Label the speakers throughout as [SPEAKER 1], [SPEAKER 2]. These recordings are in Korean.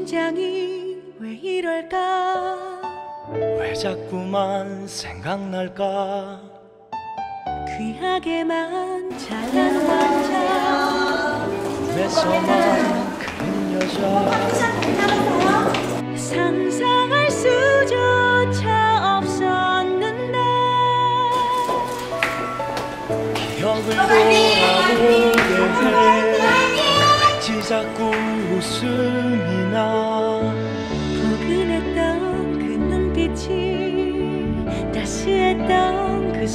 [SPEAKER 1] 심장이 왜 이럴까?
[SPEAKER 2] 왜 자꾸만 생각날까?
[SPEAKER 1] 귀하게만 잘난 남자,
[SPEAKER 2] 꿈에서만 그린 여자,
[SPEAKER 1] 상상할 수조차 없었는데
[SPEAKER 2] 기억을 돌아보게 해. 왠지 자꾸 웃음이 나.
[SPEAKER 1] 포근했던 그 눈빛이 따스했던 그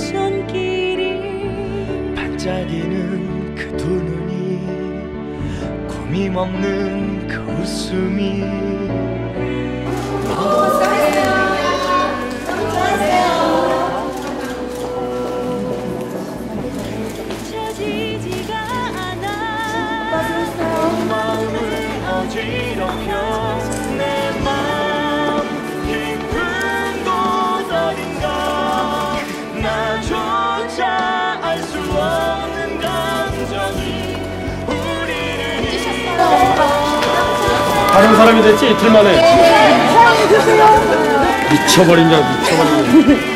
[SPEAKER 1] 손길이
[SPEAKER 2] 반짝이는 그 두 눈이 고민 없는 그 웃음이
[SPEAKER 1] 잊혀지지가 않아.
[SPEAKER 2] 마음을 어지럽혀 내 마음 깊은 곳 어딘가 나조차 알 수 없는 감정이 우리를
[SPEAKER 3] 다른 사람이 됐지 이틀 만에. 미쳐버린 자 미쳐버린.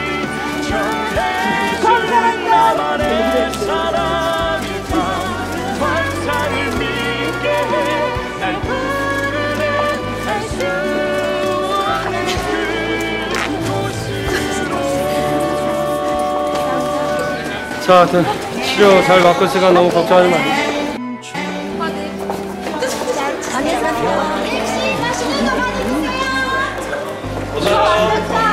[SPEAKER 2] 나만의 사랑이다. 환상을 믿게 해. 날 부르네. 알 수 없는 그곳으로.
[SPEAKER 3] 자, 하여튼 치료 잘 받고 있으니까 너무 걱정하지 마.
[SPEAKER 4] 혹시 맛있는 거 많이 드세요.